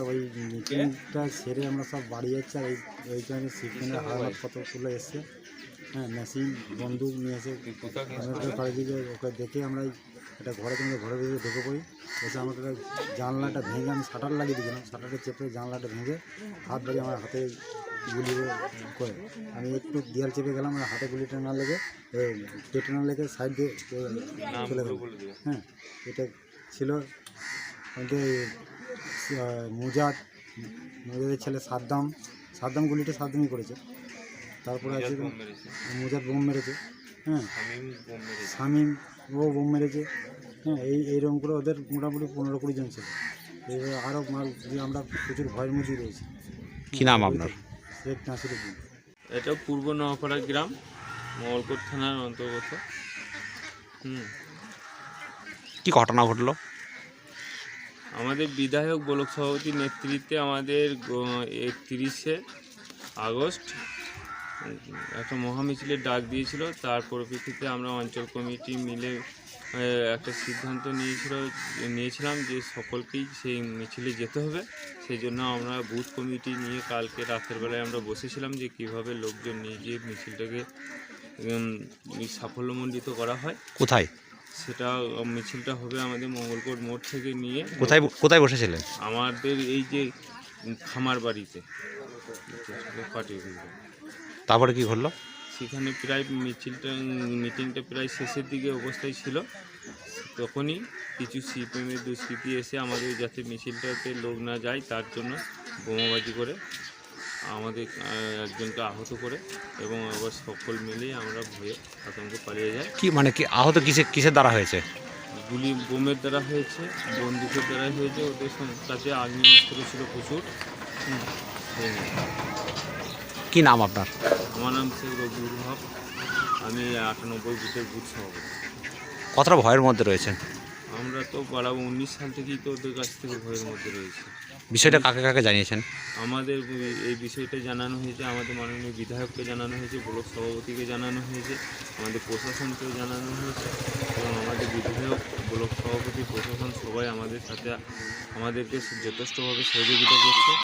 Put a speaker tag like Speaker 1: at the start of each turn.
Speaker 1: ওই মিটিংটা সেরে আমরা সব বাড়ি যাচ্ছি, আর এইখানে সিপিএমের হাওয়াত কতগুলো এসছে, হ্যাঁ, মেশিন বন্দুক নিয়ে এসে বাড়ি দিকে ওকে দেখে আমরা একটা ঘরের ভিতরে ঢুকে পড়ি। এসে আমাকে জানলাটা ভেঙে, আমি শাটার লাগিয়ে দিয়েছিলাম, শাটারটা চেপে জানলাটা ভেঙে হাত বাড়িয়ে আমার হাতে গুলি করে, আমি একটু দেয়াল চেপে গেলাম, আমার হাতে গুলিটা না লেগে পেটে না লেগে সাইড দিয়ে চলে গেল। হ্যাঁ, এটা ছিল আমাদের মুজাদের ছেলে সাদ্দাম গুলিটা সাদ্দামই করেছে। তারপরে আছে মুজাদ বোম মেরেছে, হ্যাঁ, শামীম ও বোম মেরেছে, হ্যাঁ, এইরকম করে ওদের মোটামুটি 15-20 জন ছিল। এইভাবে আরও মাল দিয়ে আমরা প্রচুর ভয়ের মধ্যেই রয়েছি।
Speaker 2: কী নাম আপনার?
Speaker 1: শেখ নাসিরুদ্দিন।
Speaker 3: এটা পূর্ব নোয়াপাড়া গ্রাম, মঙ্গলকোট থানার অন্তর্গত।
Speaker 2: কি ঘটনা ঘটলো?
Speaker 3: আমাদের বিধায়ক ব্লক সভাপতির নেতৃত্বে আমাদের 31শে আগস্ট একটা মহামিছিলের ডাক দিয়েছিল। তার পরিপ্রেক্ষিতে আমরা অঞ্চল কমিটি মিলে একটা সিদ্ধান্ত নিয়েছিলাম যে সকলকেই সেই মিছিলে যেতে হবে। সেই জন্য আমরা বুথ কমিটি নিয়ে কালকে রাতের বেলায় আমরা বসেছিলাম যে কিভাবে লোকজন নিয়ে গিয়ে মিছিলটাকে সাফল্যমণ্ডিত করা হয়।
Speaker 2: কোথায়
Speaker 3: সেটা মিছিলটা হবে আমাদের মঙ্গলকোট মোড় থেকে নিয়ে।
Speaker 2: কোথায় বসেছিলেন?
Speaker 3: আমাদের এই যে খামার বাড়িতে পার্টি।
Speaker 2: তারপরে কি ঘটলো?
Speaker 3: সেখানে প্রায় মিটিংটা প্রায় শেষের দিকে অবস্থায় ছিল। তখনই কিছু সিপিএমের দুষ্কৃতী এসে আমাদের যাতে মিছিলটাতে লোক না যায় তার জন্য বোমাবাজি করে আমাদের একজনকে আহত করে, এবং আবার সকল মিলেই আমরা ভয়ে আতঙ্কে পালিয়ে যাই।
Speaker 2: কি আহত কিসের দ্বারা হয়েছে?
Speaker 3: বোমের দ্বারা হয়েছে, বন্দুকের দ্বারা হয়েছে। ওদের কাছে আগ্নেয়াস্ত্র ছিল প্রচুর।
Speaker 2: কি নাম আপনার?
Speaker 3: আমার নাম শেখ রবিউল হক, আমি 98 বুথের বুথ সভাপতি।
Speaker 2: কতটা ভয়ের মধ্যে রয়েছেন?
Speaker 3: আমরা তো 19 সাল থেকেই তো ওদের কাছ থেকে ভয়ের মধ্যে রয়েছে।
Speaker 2: বিষয়টা কাকে কাকে জানিয়েছেন?
Speaker 3: আমাদের এই বিষয়টা জানানো হয়েছে, আমাদের মাননীয় বিধায়ককে জানানো হয়েছে, ব্লক সভাপতিকে জানানো হয়েছে, আমাদের প্রশাসনকেও জানানো হয়েছে, এবং আমাদের বিধায়ক, ব্লক সভাপতি, প্রশাসন সবাই আমাদের সাথে আমাদেরকে যথেষ্টভাবে সহযোগিতা করছে।